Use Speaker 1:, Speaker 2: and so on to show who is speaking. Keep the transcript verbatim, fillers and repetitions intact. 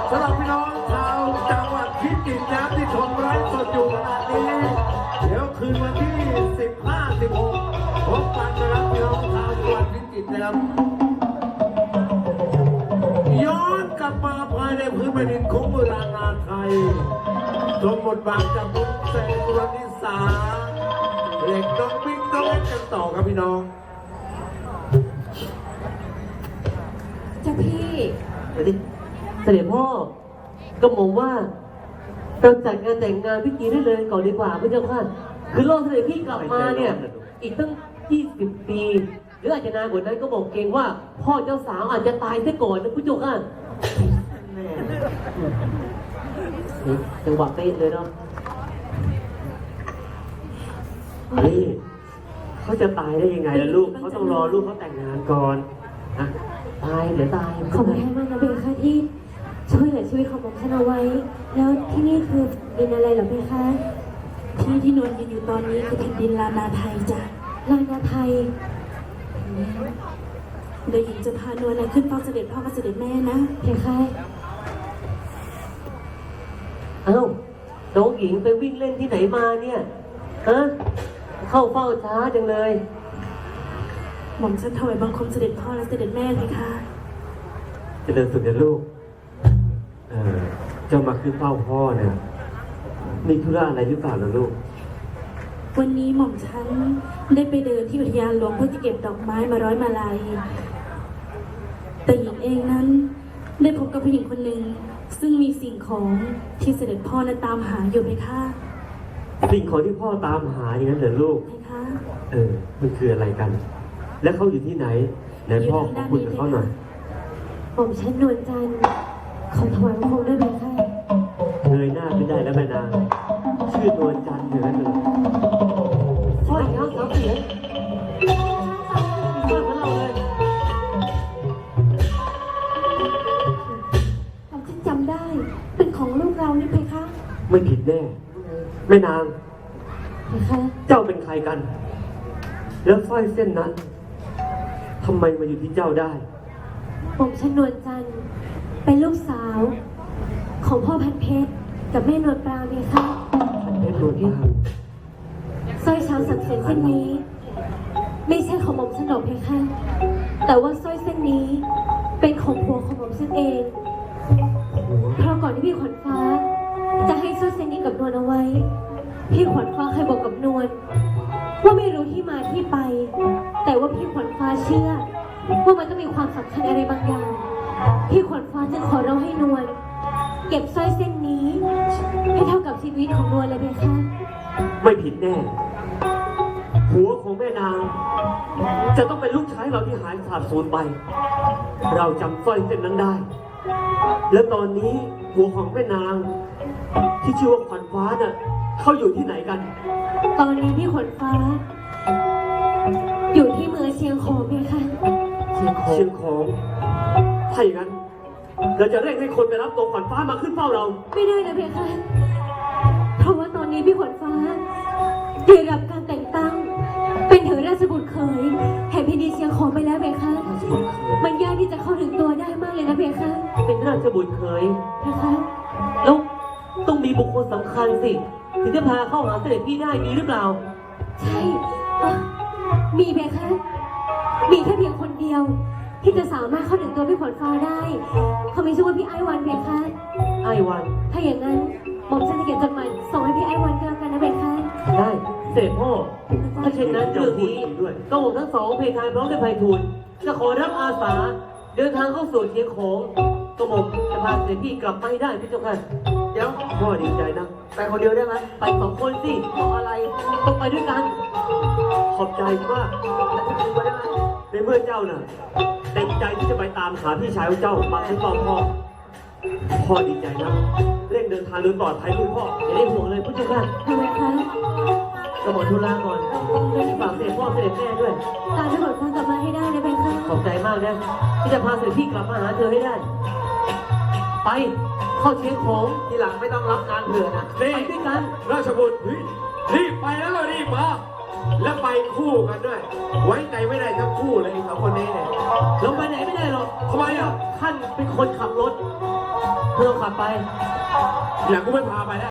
Speaker 1: สำหรับพี่น้องชาวจังหวัดพิจิตรนะที่ชมไลฟ์สดอยู่ขณะนี้เดี๋ยวคืนวันที่สิบห้า สิบหกพบกันนะครับพี่น้องชาวจังหวัดพิจิตรนะครับย้อนกลับมาภายในพื้นแผ่นดินของโบราณนาไทยชมบทบาทจากมุกเซนวนิสาเล็กน้องบิ๊กน้องเล็กกันต่อครับพี่น้อง
Speaker 2: เจ้าพี่
Speaker 3: เดี๋ยวดิเสด็จพ่อก็มองว่าเราจัดงานแต่งงานพิธีได้เลยก่อนดีกว่าพระเจ้าค่ะคือรอเสด็จพี่กลับมาเนี่ยอีกตั้งยี่สิบปีหรืออาจจะนานกว่านั้นก็บอกเกรงว่าพ่อเจ้าสาวอาจจะตายซะก่อนนะพระเจ้าค่ะแม่จังหวะเป๊ะเลยเนาะเฮ้ยเขาจะตายได้ยังไงล่ะลูกเขาต้องรอลูกเขาแต่งงานก่อนนะตายเดี๋ยวตาย
Speaker 2: ขอบคุณมากนะเบลค่ะที่ช่วยเหลือชีวิตของผมฉันเอาไว้แล้วที่นี่คือดินอะไรเหรอเบลคะที่ที่นวลยืนอยู่ตอนนี้คือแผ่นดินลานาไทยจ้ะลานาไทยเดี๋ยวหญิงจะพานวลอะไรขึ้นเฝ้าเสด็จพ่อกับเสด็จแม่นะเบลค่ะ
Speaker 3: เอ้าน้องหญิงไปวิ่งเล่นที่ไหนมาเนี่ยฮะเข้าเฝ้าช้าจังเลย
Speaker 2: หม่อมฉันถวายบังคมเสด็จพ่อและเสด็จแม่เลยค่ะ
Speaker 4: เจริญสุขนะลูกเออเจ้ามาขึ้นเฝ้าพ่อเนี่ยมีธุระอะไรหรือเปล่าล่ะลูก
Speaker 2: วันนี้หม่อมฉันได้ไปเดินที่อุทยานหลวงเพื่อจะเก็บดอกไม้มาร้อยมาลัยแต่หญิงเองนั้นได้พบกับผู้หญิงคนหนึ่งซึ่งมีสิ่งของที่เสด็จพ่อนั้นตามหาอยู่ไหมคะ
Speaker 4: สิ่งของที่พ่อตามหาอย่างนั้นเหรอลูก
Speaker 2: ไหมคะ
Speaker 4: เออมันคืออะไรกันและเขาอยู่ที่ไหนไหนพ่อขอคุยกับเขาหน่อย
Speaker 2: หม่อมฉันนวลจันทร์ขอถวายบังคมได้ไหมคะ
Speaker 4: เงยหน้าไม่ได้แล้วแม่นางชื่อนวลจันทร์อยู่นั่นเลย
Speaker 3: พ่อเท้าสาวเสียพ่อของเราเลย
Speaker 2: ผมฉันจำได้เป็นของลูกเรานี่เพคะ
Speaker 4: ไม่ผิดแน่แม่นาง
Speaker 2: เพคะ
Speaker 4: เจ้าเป็นใครกันแล้วสร้อยเส้นนั้นทำไมมาอยู่ที่เจ้าได้
Speaker 2: ผมฉันนวลจันทร์เป็นลูกสาวของพ่อพันเพชรกับแม่นวลปราเมค่ะ
Speaker 4: พันเพชรนวลปรา
Speaker 2: สร้อยช้างสังเสนเส้นนี้ไม่ใช่ของหม่อมฉันหรอกเพคะแต่ว่าสร้อยเส้นนี้เป็นของผัวของหม่อมฉันเองเพราะก่อนที่พี่ขวัญฟ้าจะให้สร้อยเส้นนี้กับนวลเอาไว้พี่ขวัญฟ้าเคยบอกกับนวลว่าไม่รู้ที่มาที่ไปแต่ว่าพี่ขวัญฟ้าเชื่อว่ามันต้องมีความสำคัญอะไรบางอย่างพี่ขวัญฟ้าจะขอร้องให้นวลเก็บสร้อยเส้นนี้ให้เท่ากับชีวิตของนวลเลยไหมคะ
Speaker 4: ไม่ผิดแน่ผัวของแม่นางจะต้องเป็นลูกชายเราที่หายสาบสูญไปเราจำสร้อยเส้นนั้นได้และตอนนี้ผัวของแม่นางที่ชื่อว่าขวัญฟ้าน่ะเขาอยู่ที่ไหนกัน
Speaker 2: ตอนนี้พี่ขวัญฟ้าอยู่ที่เมืองเชียงของเพคะ
Speaker 4: เชียงของเชียงของถ้าอย่างนั้นเราจะเร่งให้คนไปรับตัวขวัญฟ้ามาขึ้นเฝ้าเรา
Speaker 2: ไม่ได้นะเพคะเพราะว่าตอนนี้พี่ขวัญฟ้าได้รับการแต่งตั้งเป็นถึงราชบุตรเขยแห่งแผ่นดินเชียงของไปแล้วเพคะมันยากที่จะเข้าถึงตัวได้มากเลยนะเพคะ
Speaker 3: เป็นราชบุตรเขย
Speaker 2: เพคะ
Speaker 3: แล้วต้องมีบุคคลสำคัญสิถึงจะพาเข้าหาเสด็จพี่ได้มีหรือเปล่า
Speaker 2: ใช่มีเพคะมีแค่เพียงคนเดียวที่จะสามารถเข้าถึงตัวพี่ขวัญฟ้าได้เขาไม่ชื่อว่าพี่ไอวันเพคะ
Speaker 3: ไอวัน
Speaker 2: ถ้าอย่างนั้นหม่อมฉันจะเขียนจดหมายส่งให้พี่ไอวันก็แล้วกันนะเพคะ
Speaker 3: ได้เสด็จพ่อถ้าเช่นนั้นเรื่องนี้ก็ผมทั้งสองเพทายพร้อมด้วยไพฑูรย์จะขอรับอาสาเดินทางเข้าสู่เชียงของกระหม่อมจะพาเสด็จพี่กลับไปได้พี่เจ้าค่ะ
Speaker 4: เดี๋ยวพ่อดีใจนะ
Speaker 3: ไปคนเดียวได้ไหมไปสองคนสิรออะไรต้องไปด้วยกัน
Speaker 4: ขอบใจมากในเมื่อเจ้าน่ะเต็มใจที่จะไปตามหาพี่ชายของเจ้ามาให้พ่อพ่อพ่อดีใจนะเร่งเดินทางโดยปลอดภัยลูกพ่อ
Speaker 3: อย่าได้ห่วงเลยพี่เจ้าค่ะ
Speaker 2: ทำไมคะ
Speaker 3: กระหม่อมธุระก่อนฝากเสด็จพ่อเสด็จแม่ด้วย
Speaker 2: ตามพี่ขวัญฟ้ากลับมาให้ได้นะเพคะ
Speaker 3: ขอบใจมากนะที่จะพาเสด็จพี่กลับมาหาเธอให้ได้ไปเข้าเชียงของทีหลังไม่ต้องรับงานเผื่อนะไปด้วยกัน
Speaker 1: ราชบุตรรีบไปแล้วเรารีบมาแล้วไปคู่กันด้วยไว้ใจไม่ได้ทั้งคู่เลยสองคนนี้เนี่ย
Speaker 3: ลงไปไหนไม่ได้หรอก
Speaker 1: ทำไมอ่ะ
Speaker 3: ท่านเป็นคนขับรถเพื่อขับไป
Speaker 1: อย่างกูไม่พาไปแล้ว